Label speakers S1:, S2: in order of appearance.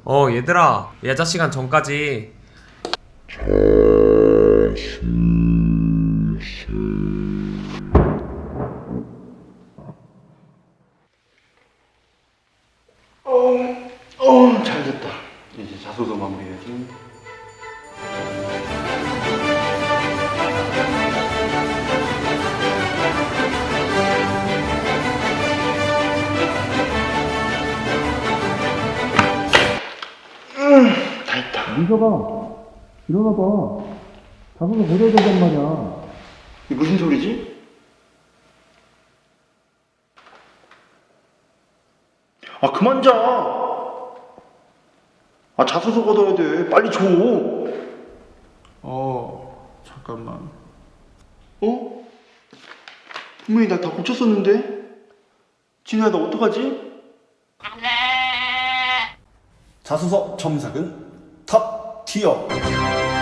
S1: 얘들아, 예자 시간 전까지.
S2: 잘 됐다. 이제 자소서 마무리해야지. 다 했다.
S3: 민서가 일어나봐. 자소서 보내야 된단 말이야.
S2: 이게 무슨 소리지? 아, 그만 자. 아, 자소서 걷어야 돼. 빨리 줘.
S3: 잠깐만.
S2: 어? 분명히 나 다 고쳤었는데? 진우야, 나 어떡하지?
S4: 자소서 첨삭은 탑 티어.